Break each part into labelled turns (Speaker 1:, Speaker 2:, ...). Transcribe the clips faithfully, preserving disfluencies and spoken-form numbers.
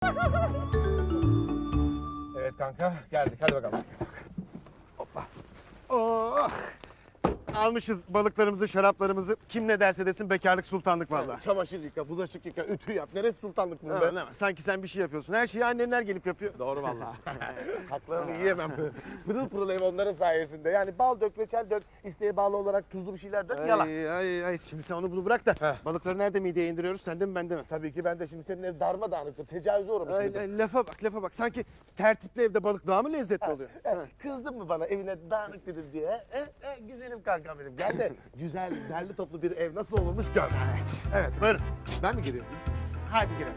Speaker 1: Evet kanka, geldik. Hadi bakalım. Hoppa.
Speaker 2: Oh! Almışız balıklarımızı, şaraplarımızı. Kim ne derse desin bekarlık sultanlık vallahi.
Speaker 1: Çamaşır yıka, bulaşık yıka, ütü yap. Neresi sultanlık bu
Speaker 2: Ha,
Speaker 1: be?
Speaker 2: ne var? Sanki sen bir şey yapıyorsun. Her şeyi annenler gelip yapıyor.
Speaker 1: Doğru vallahi. Haklarını yiyemem. Pırıl pırıl ev onların sayesinde. Yani bal dök, reçel dök, isteğe bağlı olarak tuzlu bir şeyler dök, yalan.
Speaker 2: Ay, ay, ay. Şimdi sen onu bunu bırak da
Speaker 1: Heh.
Speaker 2: balıkları nerede mideye indiriyoruz? Sende mi bende mi?
Speaker 1: Tabii ki ben de şimdi senin ev darmadağınıktır, tecavüze uğramış
Speaker 2: Ay,
Speaker 1: gibidir.
Speaker 2: ay, lafa bak, lafa bak. Sanki tertipli evde balık daha mı lezzetli oluyor?
Speaker 1: Ha, kızdın mı bana evine dağınık dedim diye? He? He, güzelim kankam benim. Gel de güzel, derli toplu bir ev nasıl olurmuş gör.
Speaker 2: Evet.
Speaker 1: Evet.
Speaker 2: Buyurun.
Speaker 1: Ben mi giriyorum?
Speaker 2: Hadi girelim.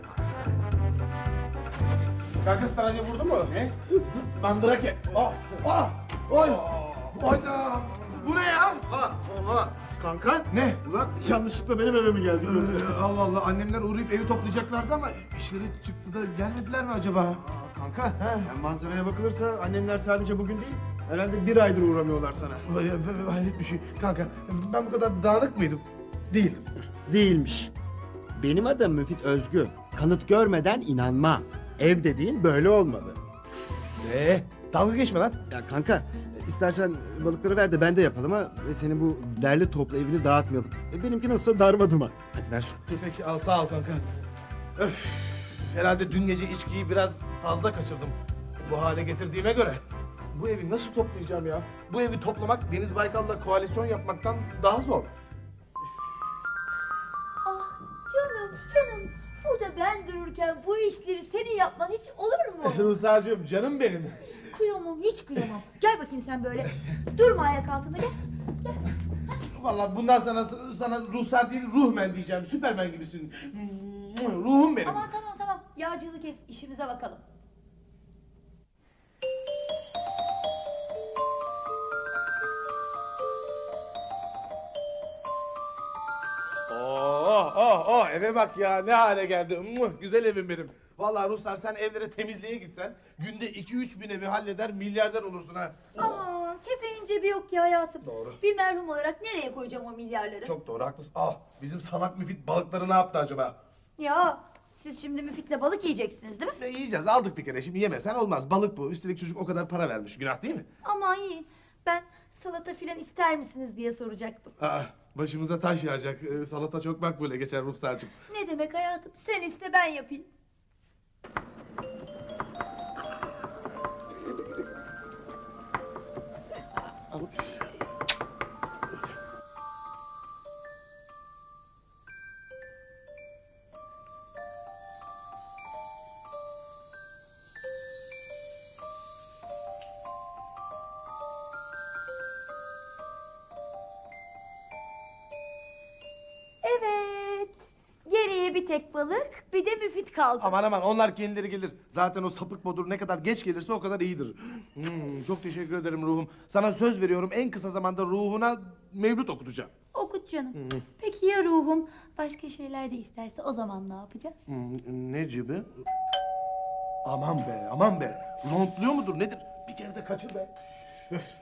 Speaker 1: Kanka staracı vurdu mu? Ne? Zıt mandrake. Ah! Ah! Oy! Oyda! Bu ne ya?
Speaker 2: Oha, oha. Kanka.
Speaker 1: Ne?
Speaker 2: Ulan yanlışlıkla benim eve mi geldin yoksa?
Speaker 1: Ee, Allah Allah, annemler uğrayıp evi toplayacaklardı ama işleri çıktı da gelmediler mi acaba?
Speaker 2: Aa, kanka, yani manzaraya bakılırsa annenler sadece bugün değil, herhalde bir aydır uğramıyorlar sana.
Speaker 1: Vay, vay, hayret bir şey. Kanka, ben bu kadar dağınık mıydım? Değildim.
Speaker 2: Değilmiş. Benim adım Müfit Özgü. Kanıt görmeden inanma. Ev dediğin böyle olmalı.
Speaker 1: Ee, dalga geçme lan.
Speaker 2: Ya kanka, istersen balıkları ver de ben de yapalım ha. Ve senin bu derli toplu evini dağıtmayalım. E, benimki nasılsa darmaduma. Hadi ver şunu.
Speaker 1: Peki, al sağ ol kanka. Öf, herhalde dün gece içkiyi biraz fazla kaçırdım. Bu hale getirdiğime göre. Bu evi nasıl toplayacağım ya? Bu evi toplamak Deniz Baykal'la koalisyon yapmaktan daha zor.
Speaker 3: Ah canım canım. Burada ben dururken bu işleri senin yapman hiç olur mu?
Speaker 1: Ruhsar'cığım, canım benim.
Speaker 3: Kıyamam, hiç kıyamam. Gel bakayım sen böyle. Durma ayak altında, gel.
Speaker 1: Vallahi bundan sana sana Ruhsar değil, Ruhmen diyeceğim. Süpermen gibisin. Ruhum benim.
Speaker 3: Aman tamam tamam. Yağcılığı kes, işimize bakalım.
Speaker 1: Oh oh oh, eve bak ya, ne hale geldi. Muh, güzel evim benim. Vallahi Ruhsar, sen evlere temizliğe gitsen günde iki üç bin evi halleder, milyarder olursun ha.
Speaker 3: Aman kefenin cebi yok ki hayatım.
Speaker 1: Doğru.
Speaker 3: Bir merhum olarak nereye koyacağım o milyarları?
Speaker 1: Çok doğru, haklısın. Ah, bizim salak müfit balıkları ne yaptı acaba?
Speaker 3: Ya siz şimdi Müfit'le balık yiyeceksiniz değil mi?
Speaker 1: Ne yiyeceğiz, aldık bir kere, şimdi yemesen olmaz. Balık bu, üstelik çocuk o kadar para vermiş, günah değil mi?
Speaker 3: Aman yiyin. Ben salata filan ister misiniz diye soracaktım.
Speaker 1: Aa, başımıza taş yağacak. Ee, salata çok makbule geçer Ruhsar'cığım.
Speaker 3: Ne demek hayatım? Sen iste ben yapayım. Evet. Geriye bir tek balık, bir de Müfit kaldı.
Speaker 1: Aman aman, onlar kendileri gelir. Zaten o sapık bodur ne kadar geç gelirse o kadar iyidir. Hmm, çok teşekkür ederim ruhum. Sana söz veriyorum, en kısa zamanda ruhuna mevlüt okutacağım.
Speaker 3: Okut canım. Peki ya ruhum başka şeyler de isterse o zaman ne yapacağız?
Speaker 1: Hmm, ne gibi? Aman be, aman be. Rontluyor mudur nedir? Bir kere de kaçır be. Öf.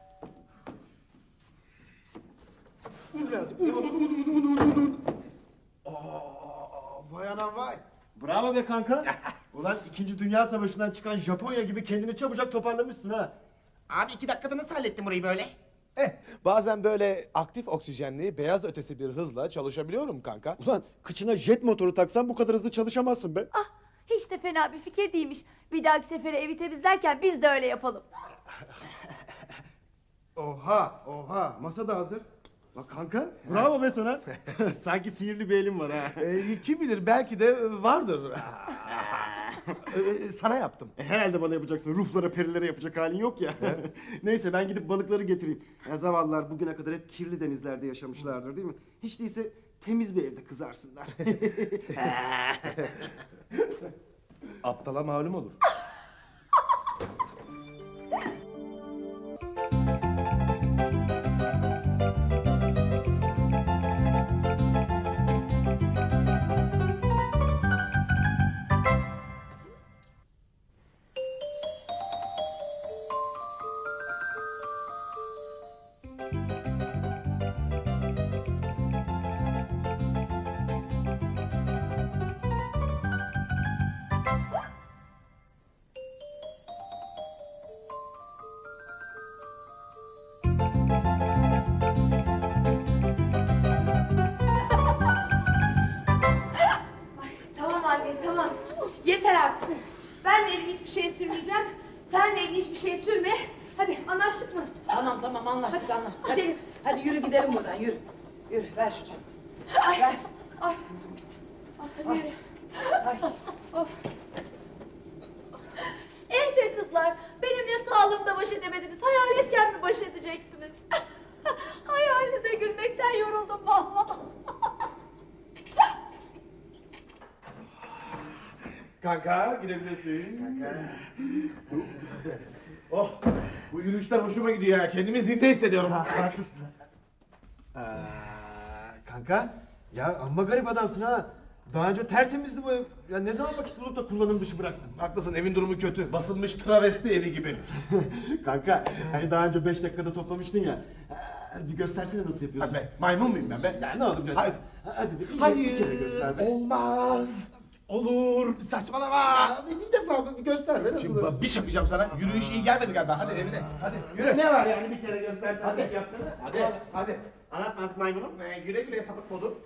Speaker 1: Un lazım. Un, un, un, un, un, un. Aa, vay anam vay.
Speaker 2: Bravo be kanka. Ulan İkinci Dünya Savaşı'ndan çıkan Japonya gibi kendini çabucak toparlamışsın ha.
Speaker 4: Abi iki dakikada nasıl hallettin burayı böyle?
Speaker 1: Eh, bazen böyle aktif oksijenli, beyaz ötesi bir hızla çalışabiliyorum kanka.
Speaker 2: Ulan kıçına jet motoru taksan bu kadar hızlı çalışamazsın be.
Speaker 3: Ah hiç de fena bir fikir değilmiş. Bir dahaki sefere evi temizlerken biz de öyle yapalım.
Speaker 2: Oha, oha. Masa da hazır. Bak kanka, bravo be sana. Sanki sihirli bir elin var ha.
Speaker 1: Ee, kim bilir, belki de vardır. Ee, sana yaptım.
Speaker 2: E, herhalde bana yapacaksın. Ruhlara, perilere yapacak halin yok ya. Neyse ben gidip balıkları getireyim. Ya zavallılar bugüne kadar hep kirli denizlerde yaşamışlardır değil mi? Hiç değilse temiz bir evde kızarsınlar.
Speaker 1: Aptala malum olur.
Speaker 3: Ben de elimi hiçbir şeye sürmeyeceğim. Sen de elini hiçbir şeye sürme. Hadi anlaştık mı?
Speaker 5: Tamam tamam anlaştık
Speaker 3: Hadi,
Speaker 5: anlaştık.
Speaker 3: hadi.
Speaker 5: Hadi, hadi yürü gidelim buradan yürü. Yürü ver şu çantayı.
Speaker 3: Ay.
Speaker 5: Ver.
Speaker 3: Ay. Hadi yürü.
Speaker 5: Ay.
Speaker 3: Eh be kızlar, benimle sağlığımda baş edemediniz. Hayaletken mi baş edeceksiniz? Hayalinize gülmekten yoruldum vallahi.
Speaker 1: Kanka gidebilirsin. Kanka. Oh, bu yürüyüşler hoşuma gidiyor ya. Kendimi zinde hissediyorum.
Speaker 2: Haklısın. Ee, kanka ya amma garip adamsın ha. Daha önce tertemizdi bu ev. Ya ne zaman vakit bulup da kullanım dışı bıraktın?
Speaker 1: Haklısın, evin durumu kötü. Basılmış travesti evi gibi.
Speaker 2: Kanka hani daha önce beş dakikada toplamıştın ya. Ee, bir göstersene nasıl yapıyorsun.
Speaker 1: Hadi be, maymun muyum ben be?
Speaker 2: Ya ne olur göster.
Speaker 1: Hayır.
Speaker 2: Hadi de bir,
Speaker 1: Hayır,
Speaker 2: bir kere göster be.
Speaker 1: olmaz. Olur, saçmalama.
Speaker 2: Ya, bir, bir defa bir göster be nasıl
Speaker 1: Şimdi
Speaker 2: olur?
Speaker 1: bak, bir şey yapacağım sana. Yürüyüş iyi gelmedi galiba. Hadi evine. Hadi yürü.
Speaker 2: Ne var yani bir kere göstersen
Speaker 1: Hadi.
Speaker 2: nasıl yaptığını?
Speaker 1: Hadi, hadi.
Speaker 2: Anasmanlık maymunum.
Speaker 1: Ee, güle güle sapık modu.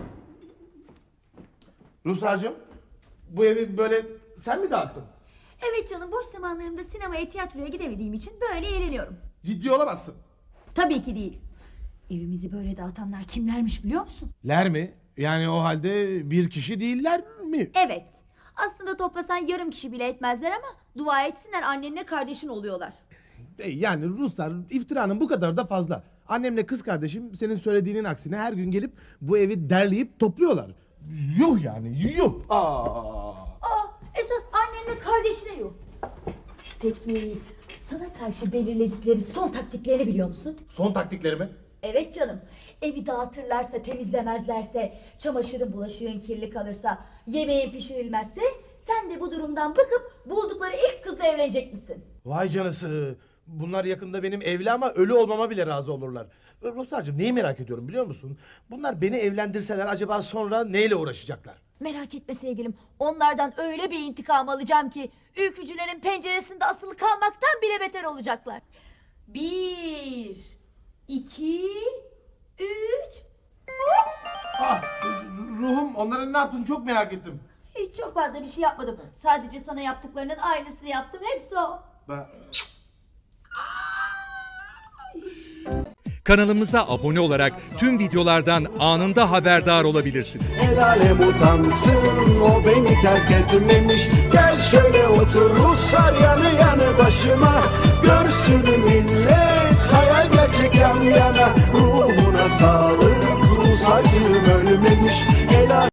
Speaker 1: Ruslarcığım, bu evi böyle sen mi dağıttın?
Speaker 3: Evet canım, boş zamanlarımda sinemaya, tiyatroya gidemediğim için böyle eğleniyorum.
Speaker 1: Ciddi olamazsın.
Speaker 3: Tabii ki değil. Evimizi böyle dağıtanlar kimlermiş biliyor musun?
Speaker 1: Ler mi? Yani o halde bir kişi değiller mi?
Speaker 3: Evet. Aslında toplasan yarım kişi bile etmezler ama dua etsinler, annenle kardeşin oluyorlar.
Speaker 1: E, Yani Ruslar iftiranın bu kadar da fazla. Annemle kız kardeşim senin söylediğinin aksine her gün gelip bu evi derleyip topluyorlar. Yuh yani yuh. Aa.
Speaker 3: Aa, esas annenle kardeşine yok. Peki sana karşı belirledikleri son taktiklerini biliyor musun?
Speaker 1: Son taktiklerimi?
Speaker 3: Evet canım. Evi dağıtırlarsa, temizlemezlerse, çamaşırın bulaşığın kirli kalırsa, yemeğin pişirilmezse sen de bu durumdan bakıp buldukları ilk kızla evlenecek misin?
Speaker 1: Vay canısı. Bunlar yakında benim evli ama ölü olmama bile razı olurlar. Ruslarcığım neyi merak ediyorum biliyor musun? Bunlar beni evlendirseler acaba sonra neyle uğraşacaklar?
Speaker 3: Merak etme sevgilim. Onlardan öyle bir intikam alacağım ki ülkücülerin penceresinde asılı kalmaktan bile beter olacaklar. Bir, iki, üç.
Speaker 1: Ah, ruhum onların ne yaptığını çok merak ettim.
Speaker 3: Hiç çok fazla bir şey yapmadım. Sadece sana yaptıklarının aynısını yaptım. Hepsi o.
Speaker 1: Ben...
Speaker 6: Kanalımıza abone olarak tüm videolardan anında haberdar olabilirsiniz.
Speaker 7: El alem utansın, o beni terk etmemiş. Gel şöyle otur Ruslar yanı yanı başıma. Görsün millet hayal gerçek yan yana. Ruhuna sağlık, Rus acım ölmemiş. El alem-